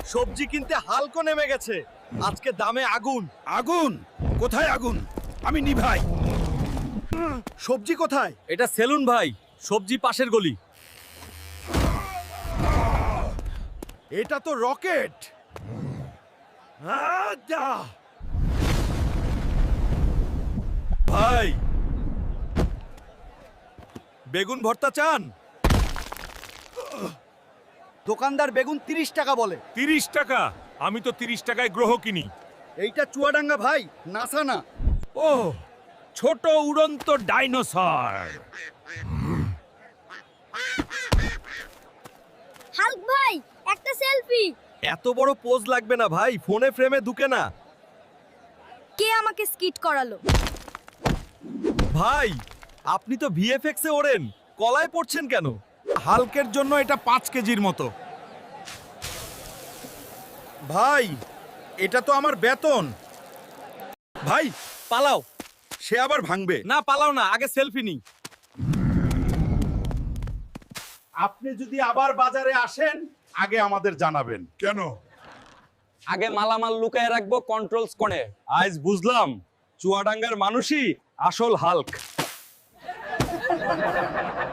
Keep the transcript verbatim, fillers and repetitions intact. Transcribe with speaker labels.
Speaker 1: সবজি কিনতে হালকো নেমে গেছে, আজকে দামে আগুন।
Speaker 2: আগুন? কোথায় আগুন? আমি নিভাই।
Speaker 1: সবজি কোথায়? এটা সেলুন ভাই, সবজি পাশের গলি।
Speaker 2: এটা তো রকেট।
Speaker 1: ভাই, বেগুন ভর্তা চান? দোকানদার বেগুন তিরিশ টাকা বলে।
Speaker 3: তিরিশ টাকা? আমি তো তিরিশ টাকায় গ্রহ কিনি।
Speaker 1: এইটা চুয়াডাঙ্গা ভাই, নাসা না।
Speaker 3: ও, ছোট উড়ন্ত ডাইনোসর।
Speaker 4: হাল্ক ভাই, একটা সেলফি।
Speaker 1: এত বড় পোজ লাগবে না ভাই, ফোনে ফ্রেমে ঢুকে না।
Speaker 4: কে আমাকে স্কিট করালো?
Speaker 1: ভাই, আপনি তো ভিএফএক্স এ ওড়েন, কলায় পড়ছেন কেন?
Speaker 2: হালকের জন্য এটা পাঁচ কেজির মতো। ভাই, এটা তো আমার বেতন। ভাই,
Speaker 1: পালাও।
Speaker 2: সে আবার ভাঙবে।
Speaker 1: না পালাও না, আগে সেলফি নিই।
Speaker 2: আপনি যদি আবার বাজারে আসেন, আগে আমাদের জানাবেন। কেন?
Speaker 1: আগে মালামাল লুকায় রাখবো কন্ট্রোলস করে। আজ বুঝলাম চুয়াডাঙ্গার মানুষই আসল হাল্ক।